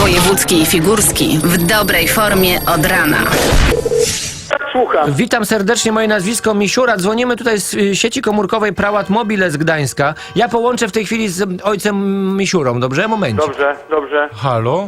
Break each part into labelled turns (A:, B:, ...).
A: Wojewódzki i Figurski w dobrej formie od rana.
B: Słucham.
C: Witam serdecznie, moje nazwisko Misiura. Dzwonimy tutaj z sieci komórkowej Prałat Mobile z Gdańska. Ja połączę w tej chwili z ojcem Misiurą, dobrze? Moment.
B: Dobrze, dobrze.
D: Halo?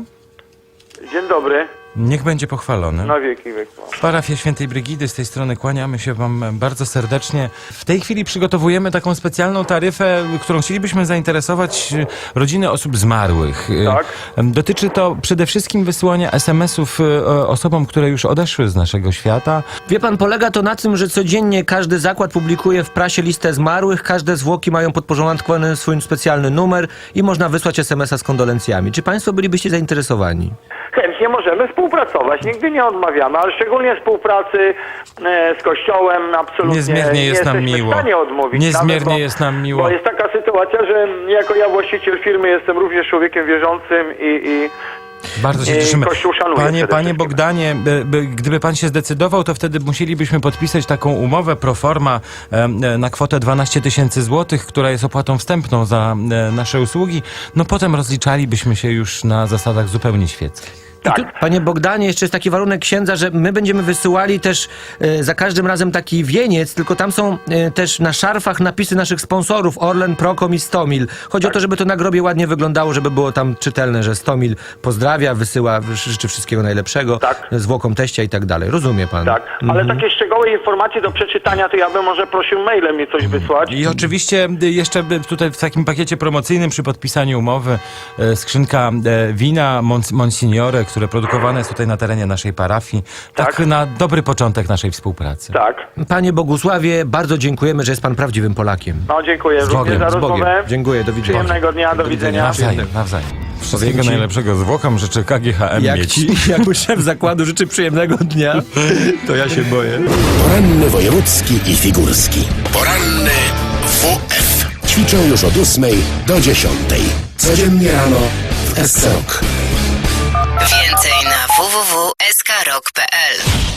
B: Dzień dobry.
D: Niech będzie pochwalony.
B: Na wieki wieku.
D: Parafia Świętej Brygidy, z tej strony kłaniamy się wam bardzo serdecznie. W tej chwili przygotowujemy taką specjalną taryfę, którą chcielibyśmy zainteresować rodziny osób zmarłych.
B: Tak.
D: Dotyczy to przede wszystkim wysyłania SMS-ów osobom, które już odeszły z naszego świata.
C: Wie pan, polega to na tym, że codziennie każdy zakład publikuje w prasie listę zmarłych, każde zwłoki mają podporządkowany swój specjalny numer i można wysłać SMS-a z kondolencjami. Czy państwo bylibyście zainteresowani?
B: Chętnie możemy współpracować, nigdy nie odmawiamy, ale szczególnie współpracy z Kościołem absolutnie
D: Niezmiernie jest nam
B: jesteśmy
D: miło.
B: w stanie odmówić.
D: Niezmiernie
B: nawet,
D: jest nam miło.
B: Bo jest taka sytuacja, że jako ja właściciel firmy jestem również człowiekiem wierzącym i
D: Bardzo się cieszymy.
B: Kościół szanuje przede
D: Panie
B: wszystkim.
D: Bogdanie, gdyby pan się zdecydował, to wtedy musielibyśmy podpisać taką umowę pro forma na kwotę 12 000 złotych, która jest opłatą wstępną za nasze usługi. No potem rozliczalibyśmy się już na zasadach zupełnie świeckich.
B: Tak.
C: I tu, panie Bogdanie, jeszcze jest taki warunek księdza, że my będziemy wysyłali też za każdym razem taki wieniec, tylko tam są też na szarfach napisy naszych sponsorów, Orlen, Procom i Stomil. Chodzi o to, żeby to na grobie ładnie wyglądało, żeby było tam czytelne, że Stomil pozdrawia, wysyła, życzy wszystkiego najlepszego,
B: Tak.
C: zwłokom teścia i tak dalej. Rozumie pan?
B: Tak, ale takie szczegółowe informacje do przeczytania, to ja bym może prosił mailem mi coś wysłać.
D: I oczywiście jeszcze tutaj w takim pakiecie promocyjnym przy podpisaniu umowy skrzynka wina Monsignore, które produkowane jest tutaj na terenie naszej parafii. Tak na dobry początek naszej współpracy.
B: Tak.
C: Panie Bogusławie, bardzo dziękujemy, że jest pan prawdziwym Polakiem.
B: No dziękuję również za
C: z Bogiem.
B: rozmowę.
C: Dziękuję, do widzenia.
B: Przyjemnego dnia, do widzenia.
D: Nawzajem. Wszystkiego
C: Powiem ci-
D: najlepszego zwłokom życzę KGHM mieć.
C: Jak szef zakładu życzy przyjemnego dnia, to ja się boję.
E: Poranny wojewódzki i figurski. Poranny WF. Ćwiczą już od 8 do 10. Codziennie rano w SC Rock.
A: Więcej na www.skrok.pl.